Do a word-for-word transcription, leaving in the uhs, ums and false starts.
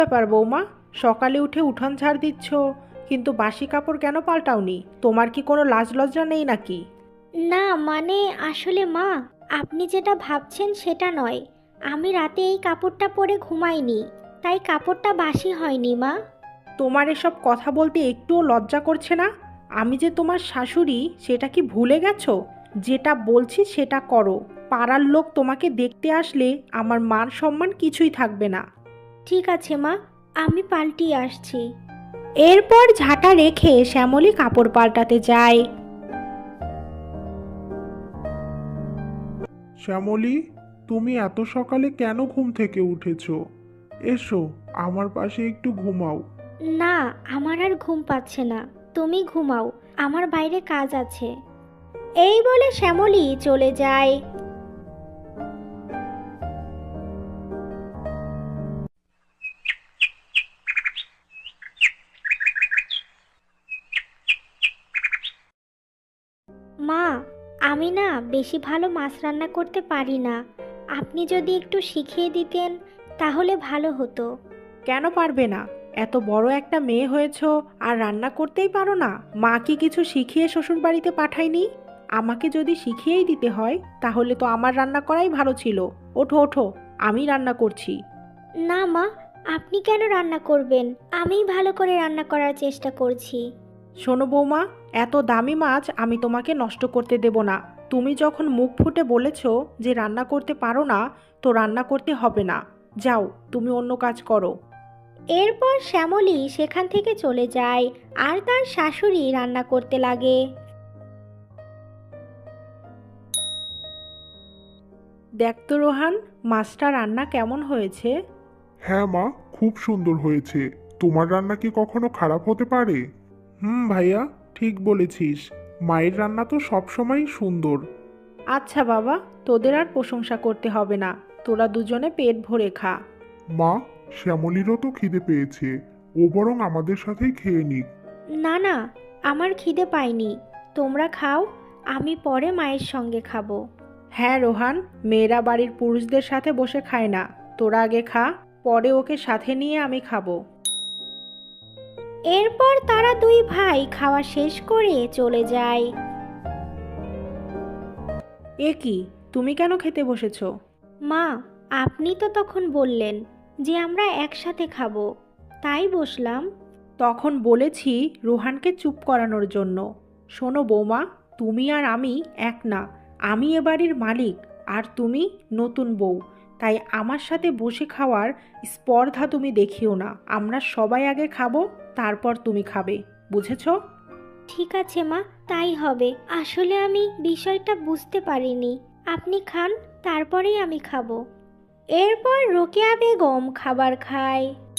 ব্যাপার বৌমা, সকালে উঠে উঠান ঝাড় দিচ্ছ, কিন্তু বাসি কাপড় কেন পাল্টাওনি? তোমার কি কোনো লাজ লজ্জা নেই নাকি? না মানে আসলে মা, আপনি যেটা ভাবছেন সেটা নয়। আমি রাতে এই কাপড়টা পরে ঘুমাইনি, তাই কাপড়টা বাসি হয়নি মা। তোমার এসব কথা বলতে একটুও লজ্জা করছে না? আমি যে তোমার শাশুড়ি, সেটা কি ভুলে গেছো? যেটা বলছি সেটা করো। পাড়ার লোক তোমাকে দেখতে আসলে আমার মান সম্মান কিছুই থাকবে না। ঠিক আছে মা, আমি পাল্টিয়ে আসছি। এরপর ঝাঁটা রেখে শ্যামলী কাপড় পাল্টাতে যায়। শ্যামলী, তুমি এত সকালে কেন ঘুম থেকে উঠেছো? এসো, আমার পাশে একটু ঘুমাও। না, আমার আর ঘুম পাচ্ছে না, তুমি ঘুমাও, আমার বাইরে কাজ আছে। এই বলে শ্যামলী চলে যায়। মা, আমি না বেশি ভালো মাছ রান্না করতে পারি না। আপনি যদি একটু শিখিয়ে দিতেন তাহলে ভালো হতো। কেন পারবে না? এত বড় একটা মেয়ে হয়েছো আর রান্না করতেই পারো না? মা কি কিছু শিখিয়ে শ্বশুর বাড়িতে পাঠায়নি? আমাকে যদি শিখিয়েই দিতে হয় তাহলে তো আমার রান্না করাই ভালো ছিল। ওঠো ওঠো, আমি রান্না করছি। না মা, আপনি কেন রান্না করবেন? আমিই ভালো করে রান্না করার চেষ্টা করছি। শোনো বৌমা, এত দামি মাছ আমি তোমাকে নষ্ট করতে দেব না। তুমি যখন মুখ ফুটে বলেছো যে রান্না করতে পারো না, তো রান্না করতে হবে না। যাও, তুমি অন্য কাজ করো। এরপর শ্যামলী সেখান থেকে চলে যায় আর তার শাশুড়ি রান্না করতে লাগে। দেখ তো রোহান, মাছটা রান্না কেমন হয়েছে? হ্যাঁ মা, খুব সুন্দর হয়েছে। তোমার রান্না কি কখনো খারাপ হতে পারে? হুম ভাইয়া, ঠিক বলেছিস। মায়ের রান্না তো সবসময়ই সুন্দর। আচ্ছা বাবা, তোদের আর প্রশংসা করতে হবে না। তোরা দুজনে পেট ভরে খা। মা, শ্যামলীরও তো খিদে পেয়েছে। ও বরং আমাদের সাথেই খেয়ে নিক। না না, আমার খিদে পায়নি, তোমরা খাও, আমি পরে মায়ের সঙ্গে খাবো। হ্যাঁ রোহান, মেয়েরা বাড়ির পুরুষদের সাথে বসে খায় না। তোরা আগে খা, পরে ওকে সাথে নিয়ে আমি খাবো। এরপর তারা দুই ভাই খাওয়া শেষ করে চলে যায়। এ কি, তুমি কেন খেতে বসেছো? মা, আপনি তো তখন বললেন যে আমরা একসাথে খাবো, তাই বসলাম। তখন বলেছি রোহানকে চুপ করানোর জন্য। শোনো বৌমা, তুমি আর আমি এক না। আমি এ বাড়ির মালিক, আর তুমি নতুন বউ। তাই আমার সাথে বসে খাওয়ার স্পর্ধা তুমি দেখিও না। আমরা সবাই আগে খাবো, তারপর তুমি খাবে। বুঝেছো? ঠিক আছে মা, তাই হবে। আসলে আমি বিষয়টা বুঝতে পারিনি। আপনি খান, তারপরেই আমি খাবো। এরপর রোকেয়া বেগম খাবার খায়।